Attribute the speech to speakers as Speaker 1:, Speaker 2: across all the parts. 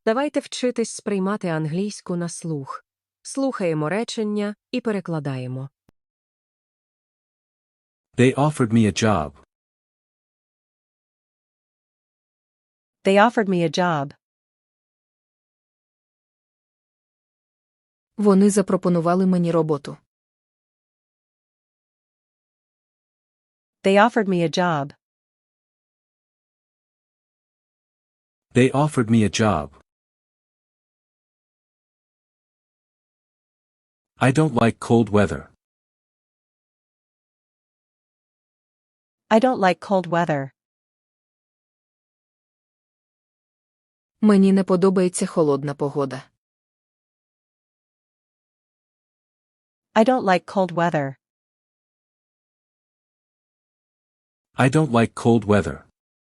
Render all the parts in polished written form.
Speaker 1: Давайте вчитись сприймати англійську на слух. Слухаємо речення і перекладаємо.
Speaker 2: They offered me a job.
Speaker 3: They offered me a job.
Speaker 4: Вони запропонували мені роботу.
Speaker 3: They offered me a job.
Speaker 2: They offered me a job. I don't like cold weather.
Speaker 3: I don't like cold weather.
Speaker 4: Мені не подобається холодна погода.
Speaker 3: I don't like cold weather.
Speaker 2: I don't like cold weather.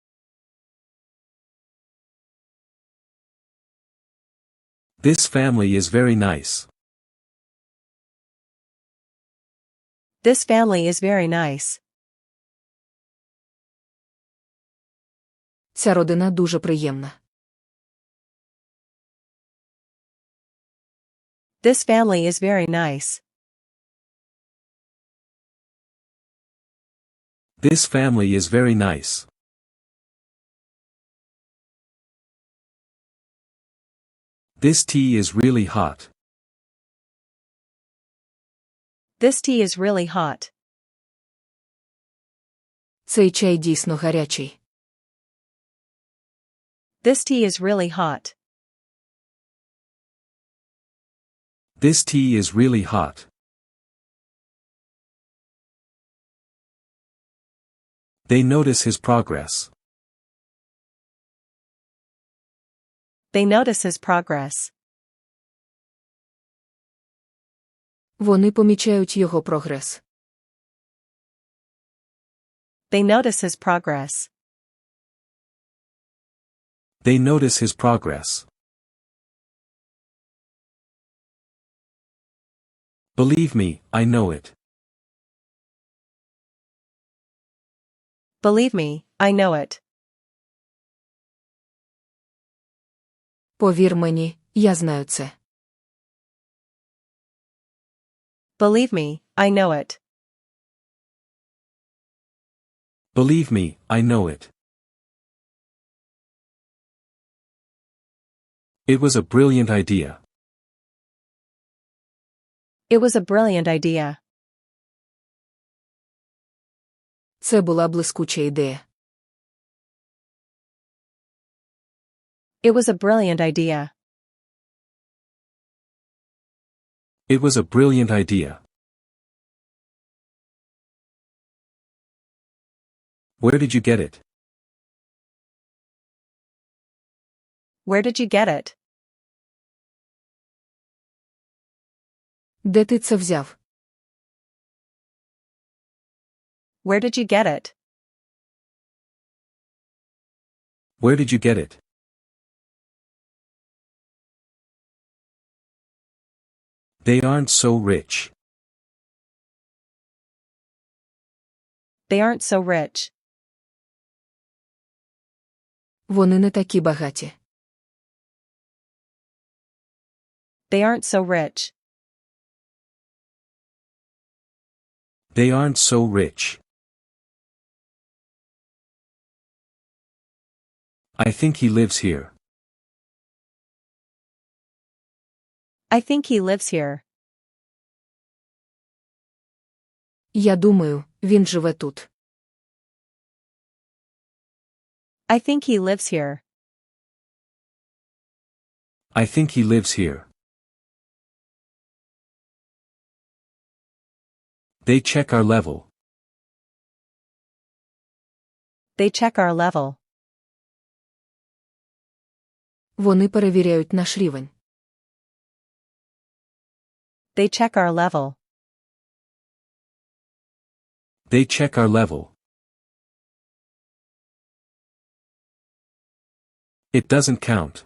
Speaker 2: This family is very nice.
Speaker 3: This family is very nice.
Speaker 4: Ця родина дуже приємна.
Speaker 3: This family is very nice.
Speaker 2: This family is very nice. This tea is really hot.
Speaker 3: This tea is really hot.
Speaker 4: Цей чай дійсно гарячий.
Speaker 3: This tea is really hot.
Speaker 2: This tea is really hot. They notice his progress.
Speaker 3: They notice his progress.
Speaker 4: Вони помічають його прогрес.
Speaker 3: They notice his progress.
Speaker 2: They notice his progress. Believe me, I know it.
Speaker 3: Believe me, I know it.
Speaker 4: Повір мені, я знаю це.
Speaker 3: Believe me, I know it.
Speaker 2: Believe me, I know it. It was a brilliant idea.
Speaker 3: It was a brilliant idea.
Speaker 4: Це була блискуча ідея.
Speaker 3: It was a brilliant idea.
Speaker 2: It was a brilliant idea. Where did you get it?
Speaker 3: Where did you get it?
Speaker 4: Де ти це взяв?
Speaker 3: Where did you get it?
Speaker 2: Where did you get it? They aren't so rich.
Speaker 3: They aren't so rich.
Speaker 4: Вони не такі багаті.
Speaker 3: They aren't so rich.
Speaker 2: They aren't so rich. I think he lives here.
Speaker 3: I think he lives here.
Speaker 4: Я думаю, він живе тут.
Speaker 3: I think he lives here.
Speaker 2: I think he lives here. They check our level.
Speaker 3: They check our level.
Speaker 4: Вони перевіряють наш рівень.
Speaker 3: They check our level.
Speaker 2: They check our level. It doesn't count.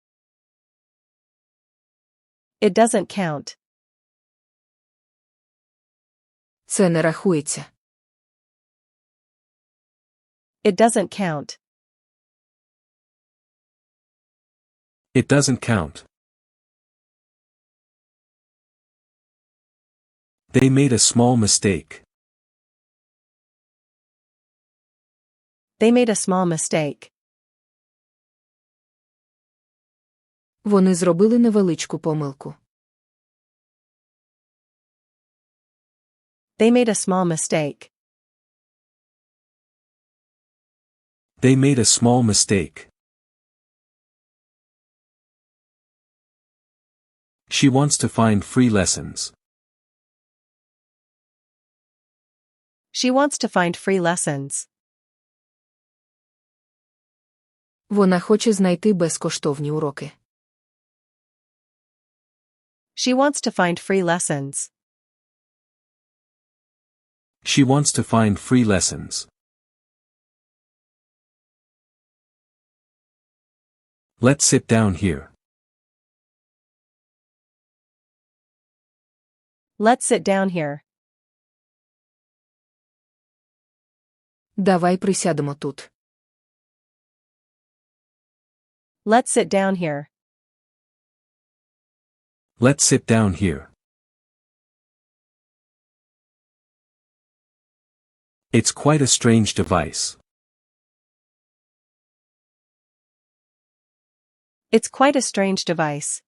Speaker 3: It doesn't count.
Speaker 4: Це не рахується.
Speaker 3: It doesn't count.
Speaker 2: It doesn't count. They made a small mistake.
Speaker 3: They made a small mistake.
Speaker 4: Вони зробили невеличку помилку.
Speaker 3: They made a small mistake.
Speaker 2: They made a small mistake. She wants to find free lessons.
Speaker 3: She wants to find free lessons.
Speaker 4: Вона хоче знайти безкоштовні уроки.
Speaker 3: She wants to find free lessons.
Speaker 2: She wants to find free lessons. Let's sit down here.
Speaker 3: Let's sit down here.
Speaker 4: Давай присядемо тут.
Speaker 3: Let's sit down here.
Speaker 2: Let's sit down here. It's quite a strange device.
Speaker 3: It's quite a strange device.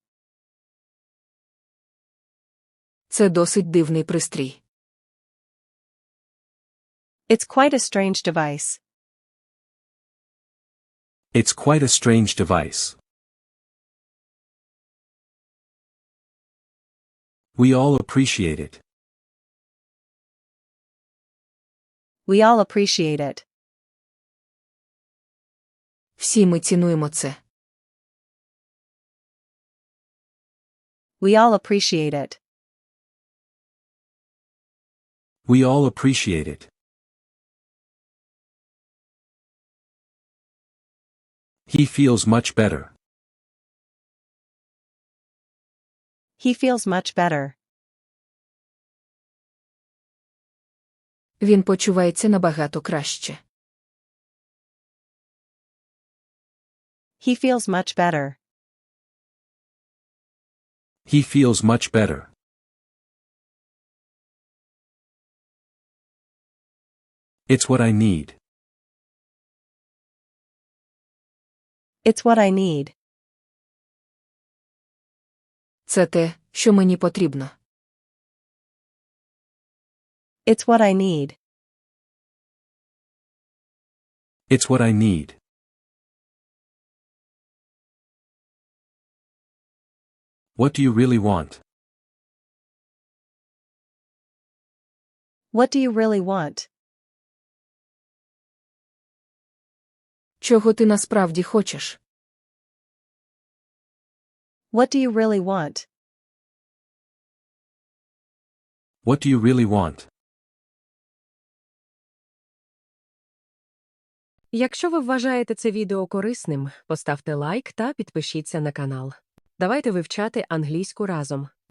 Speaker 4: Це досить дивний пристрій.
Speaker 3: It's quite a strange device.
Speaker 2: It's quite a strange device. We all appreciate it.
Speaker 3: We all appreciate it.
Speaker 4: Всі ми цінуємо це.
Speaker 3: We all appreciate it.
Speaker 2: We all appreciate it. He feels much better.
Speaker 3: He feels much better.
Speaker 4: Він почувається набагато краще.
Speaker 3: He feels much better.
Speaker 2: He feels much better. It's what I need.
Speaker 3: It's what I need.
Speaker 4: Це те, що мені потрібно.
Speaker 3: It's what I need.
Speaker 2: It's what I need. What do you really want?
Speaker 3: What do you really want?
Speaker 4: Чого ти насправді хочеш?
Speaker 3: What do you really want?
Speaker 2: What do you really want?
Speaker 1: Якщо ви вважаєте це відео корисним, поставте лайк та підпишіться на канал. Давайте вивчати англійську разом.